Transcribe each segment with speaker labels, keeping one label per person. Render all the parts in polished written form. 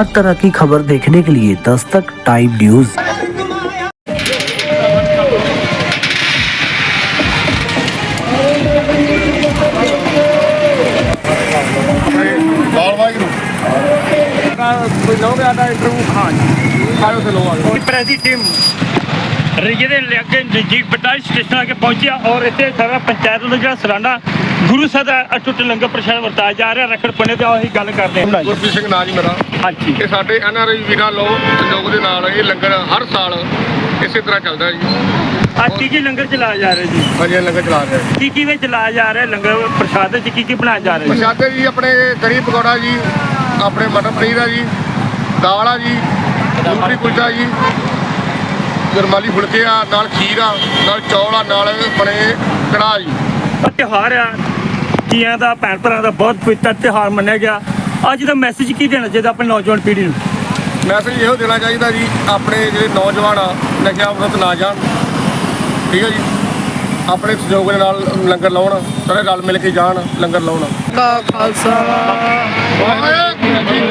Speaker 1: हर तरह की खबर देखने के लिए दस्तक टाइम न्यूज।
Speaker 2: प्रेसी टीम ਜਿਹਦੇ ਅੱਗੇ ਨਜ਼ਦੀਕ ਬਟਾਲੀ ਸਟੇਸ਼ਨ ਆ ਕੇ ਪਹੁੰਚਿਆ ਔਰ ਇੱਥੇ ਸਾਰਾ ਪੰਚਾਇਤ ਦਾ ਜਿਹੜਾ ਸਾਲਾਨਾ ਗੁਰੂ ਸਾਹਿਬ ਦਾ ਅਟੁੱਟ ਲੰਗਰ ਪ੍ਰਸ਼ਾਦ ਵਰਤਾਇਆ ਜਾ ਰਿਹਾ ਰੱਖੜ ਪੁੰਨੇ ਤੇ ਉਹੀ ਗੱਲ ਕਰਦੇ ਹਾਂ।
Speaker 3: ਗੁਰਪ੍ਰੀਤ ਸਿੰਘ ਨਾਂ ਜੀ ਮੇਰਾ।
Speaker 2: ਹਾਂਜੀ,
Speaker 3: ਇਹ ਸਾਡੇ NRI ਵੀਰਾਂ ਲੋ ਸੰਯੋਗ ਦੇ ਨਾਲ ਇਹ ਲੰਗਰ ਹਰ ਸਾਲ ਇਸੇ ਤਰ੍ਹਾਂ ਚੱਲਦਾ ਜੀ।
Speaker 2: ਅੱਜ ਕੀ ਲੰਗਰ ਚਲਾਇਆ ਜਾ ਰਿਹਾ ਜੀ?
Speaker 3: ਹਾਂਜੀ, ਲੰਗਰ ਚਲਾ ਰਹੇ
Speaker 2: ਕੀ ਵਿੱਚ ਚਲਾਇਆ ਜਾ ਰਿਹਾ ਲੰਗਰ ਪ੍ਰਸ਼ਾਦ ਚ ਕੀ ਬਣਾਇਆ ਜਾ ਰਿਹਾ?
Speaker 3: ਪ੍ਰਸ਼ਾਦੇ ਜੀ ਆਪਣੇ ਕੜੀ ਪਕੌੜਾ ਜੀ, ਆਪਣੇ ਮਟਰ ਪਨੀਰ ਆ ਜੀ, ਦਾਲ ਆ ਜੀ, ਮੂੰਗਫਲੀ ਕੁਲਚਾ ਜੀ, ਗਰਮਾਲੀ ਫੁਲਕੇ ਆ, ਨਾਲ ਖੀਰ ਆ, ਨਾਲ ਚੌਲ ਆ, ਨਾਲ ਬਣੇ ਕੜਾਹ ਜੀ।
Speaker 2: ਤਿਉਹਾਰ ਆ ਤੀਆਂ ਦਾ, ਭੈਣ ਭਰਾਵਾਂ ਦਾ ਬਹੁਤ ਪਵਿੱਤਰ ਤਿਉਹਾਰ ਮੰਨਿਆ ਗਿਆ। ਅੱਜ ਦਾ ਮੈਸੇਜ ਕੀ ਦੇਣਾ ਚਾਹੀਦਾ ਆਪਣੀ ਨੌਜਵਾਨ ਪੀੜ੍ਹੀ ਨੂੰ?
Speaker 3: ਮੈਸੇਜ ਇਹੋ ਦੇਣਾ ਚਾਹੀਦਾ ਜੀ, ਆਪਣੇ ਜਿਹੜੇ ਨੌਜਵਾਨ ਆ ਨਸ਼ਿਆਂ ਵਿਰੁੱਧ ਨਾ ਜਾਣ, ਠੀਕ ਹੈ ਜੀ। ਆਪਣੇ ਸਹਿਯੋਗ ਦੇ ਨਾਲ ਲੰਗਰ ਲਾਉਣ, ਸਾਰੇ ਰਲ ਮਿਲ ਕੇ ਜਾਣ, ਲੰਗਰ ਲਾਉਣ।
Speaker 4: ਖਾਲਸਾ ਵਾਹਿਗੁਰੂ ਜੀ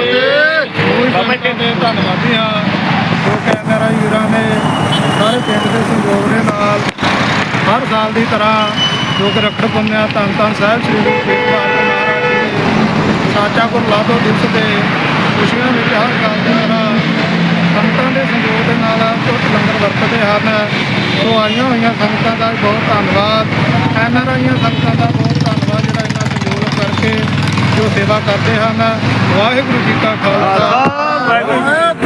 Speaker 4: ਕੀ ਫਤਿਹ। ਧੰਨਵਾਦੀ ਹਾਂ ਜੋ ਕਿ NRI ਵੀਰਾਂ ਨੇ ਸਾਰੇ ਪਿੰਡ ਦੇ ਸਹਿਯੋਗ ਦੇ ਨਾਲ ਹਰ ਸਾਲ ਦੀ ਤਰ੍ਹਾਂ ਜੋ ਕਿ ਰੱਖੜ ਪੁੰਨਿਆ ਧੰਨ ਧੰਨ ਸਾਹਿਬ ਸ੍ਰੀ ਗੁਰੂ ਤੇਗ ਬਹਾਦਰ ਮਹਾਰਾਜ ਜੀ ਸਾਚਾ ਗੁਰਲਾਦੋ ਦਿਵਸ ਦੇ ਖੁਸ਼ੀਆਂ ਵਿੱਚ ਹਰ ਸਾਲ ਦੀ ਤਰ੍ਹਾਂ ਸੰਗਤਾਂ ਦੇ ਸਹਿਯੋਗ ਦੇ ਨਾਲ ਟੁੱਟ ਲੰਗਰ ਵਰਤਦੇ ਹਨ। ਸੋ ਆਈਆਂ ਹੋਈਆਂ ਸੰਗਤਾਂ ਦਾ ਬਹੁਤ ਧੰਨਵਾਦ, NRI ਸੰਗਤਾਂ ਦਾ ਬਹੁਤ ਧੰਨਵਾਦ ਜਿਹੜਾ ਇਹਨਾਂ ਸਹਿਯੋਗ ਕਰਕੇ ਜੋ ਸੇਵਾ ਕਰਦੇ ਹਨ। ਵਾਹਿਗੁਰੂ ਜੀ ਕਾ ਖਾਲਸਾ ਵਾਹਿਗੁਰੂ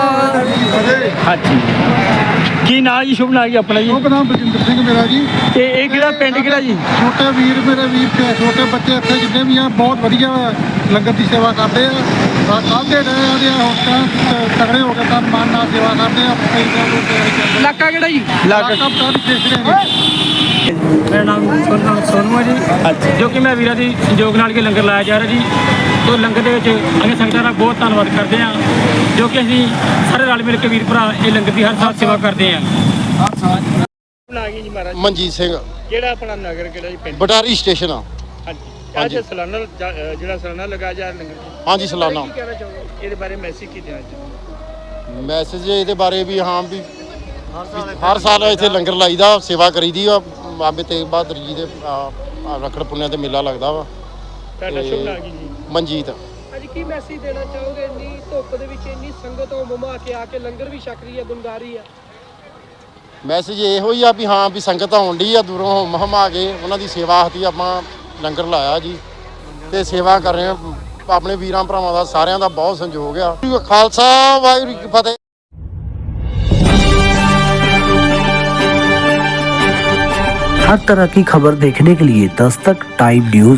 Speaker 2: ਹਾਂਜੀ, ਕੀ ਨਾਂ ਜੀ? ਸ਼ੁਭ ਨਾਂ ਜੀ ਆਪਣਾ ਜੀ?
Speaker 4: ਸ਼ੁਭ ਨਾਮ ਬਲਜਿੰਦਰ ਸਿੰਘ ਮੇਰਾ ਜੀ।
Speaker 2: ਤੇ ਇਹ ਕਿਹੜਾ ਪਿੰਡ ਕਿਹੜਾ ਜੀ?
Speaker 4: ਛੋਟੇ ਵੀਰ ਮੇਰੇ ਵੀਰ ਤੇ ਛੋਟੇ ਬੱਚੇ ਇੱਥੇ ਜਿੰਨੇ ਵੀ ਆ ਬਹੁਤ ਵਧੀਆ ਲੰਗਰ ਦੀ ਸੇਵਾ ਕਰਦੇ ਆ। ਕੱਲ੍ਹ ਦੇ ਰਹੇ ਆ ਹੁਣ ਤਾਂ ਤਗੜੇ ਹੋ ਕੇ ਤਾਂ ਮਨ ਨਾਲ ਸੇਵਾ ਕਰਦੇ ਆ।
Speaker 2: ਇਲਾਕਾ ਕਿਹੜਾ ਜੀ?
Speaker 4: ਮੇਰਾ ਨਾਮ ਸੋਨੂ ਹੈ ਜੀ,
Speaker 2: ਜੋ ਕਿ ਮੈਂ ਵੀਰਾਂ ਦੀ ਸੰਯੋਗ ਨਾਲ ਕੇ ਲੰਗਰ ਲਾਇਆ ਜਾ ਰਿਹਾ ਜੀ। ਉਹ ਲੰਗਰ ਦੇ ਵਿੱਚ ਅਸੀਂ ਸੰਗਤਾਂ ਦਾ ਬਹੁਤ ਧੰਨਵਾਦ ਕਰਦੇ ਹਾਂ ਜੋ ਕਿ ਅਸੀਂ ਸਾਰੇ ਰਲ ਮਿਲ ਕੇ ਵੀਰ ਭਰਾ ਇਹ ਲੰਗਰ ਦੀ ਹਰ ਸਾਲ ਸੇਵਾ ਕਰਦੇ ਹਾਂ।
Speaker 3: ਮਨਜੀਤ ਸਿੰਘ,
Speaker 2: ਜਿਹੜਾ ਆਪਣਾ ਨਗਰ ਕਿਹੜਾ ਜੀ? ਪਿੰਡ
Speaker 3: ਬਟਾਰੀ ਸਟੇਸ਼ਨ ਆ।
Speaker 2: ਅੱਜ ਸਾਲਾਨਾ ਜਿਹੜਾ ਸਾਲਾਨਾ ਲਗਾਇਆ ਜਾ ਰਿਹਾ ਲੰਗਰ,
Speaker 3: ਹਾਂਜੀ, ਸਾਲਾਨਾ।
Speaker 2: ਕੀ ਕਹਿਣਾ ਚਾਹੋਗੇ ਇਹਦੇ ਬਾਰੇ? ਮੈਸੇਜ ਕੀ ਦੇਣਾ ਚਾਹੋਗੇ?
Speaker 3: ਮੈਸੇਜ ਇਹਦੇ ਬਾਰੇ ਵੀ ਹਾਂ ਵੀ ਹਰ ਸਾਲ ਇੱਥੇ ਲੰਗਰ ਲਾਈਦਾ, ਸੇਵਾ ਕਰੀਦੀ ਆ। ਬਾਬੇ ਤੇਗ ਬਹਾਦਰ ਜੀ ਦੇ ਰੱਖੜ ਪੁੰਨਿਆ ਤੇ ਮੇਲਾ ਲੱਗਦਾ ਵਾ।
Speaker 2: ਤੁਹਾਡਾ ਸ਼ੁਭ ਨਾਮ ਕੀ ਜੀ?
Speaker 3: ਮਨਜੀਤ।
Speaker 5: ਅੱਜ ਕੀ ਮੈਸੇਜ ਦੇਣਾ ਚਾਹੋਗੇ? ਇੰਨੀ ਧੁੱਪ ਦੇ ਵਿੱਚ ਇੰਨੀ ਸੰਗਤ ਮਮਾ ਕੇ ਆ ਕੇ ਲੰਗਰ ਵੀ ਛਕ ਰਹੀ ਹੈ, ਗੁਣਗਾਰੀ ਹੈ।
Speaker 3: ਮੈਸੇਜ ਇਹੋ ਹੀ ਆ ਵੀ ਹਾਂ ਵੀ ਸੰਗਤ ਆਉਣ ਡਈ ਆ ਦੂਰੋਂ ਹਮਾ ਕੇ, ਉਹਨਾਂ ਦੀ ਸੇਵਾ ਹਤੀ ਆਪਾਂ ਲੰਗਰ ਲਾਇਆ ਜੀ ਤੇ ਸੇਵਾ ਕਰ ਰਹੇ ਆ। ਆਪਣੇ ਵੀਰਾਂ ਭਰਾਵਾਂ ਦਾ ਸਾਰਿਆਂ ਦਾ ਬਹੁਤ ਸੰਯੋਗ ਆ। ਖਾਲਸਾ ਵਾਹਿਗੁਰੂ ਜੀ ਕੀ ਫਤਿਹ।
Speaker 1: हर तरह की खबर देखने के लिए दस्तक टाइम न्यूज।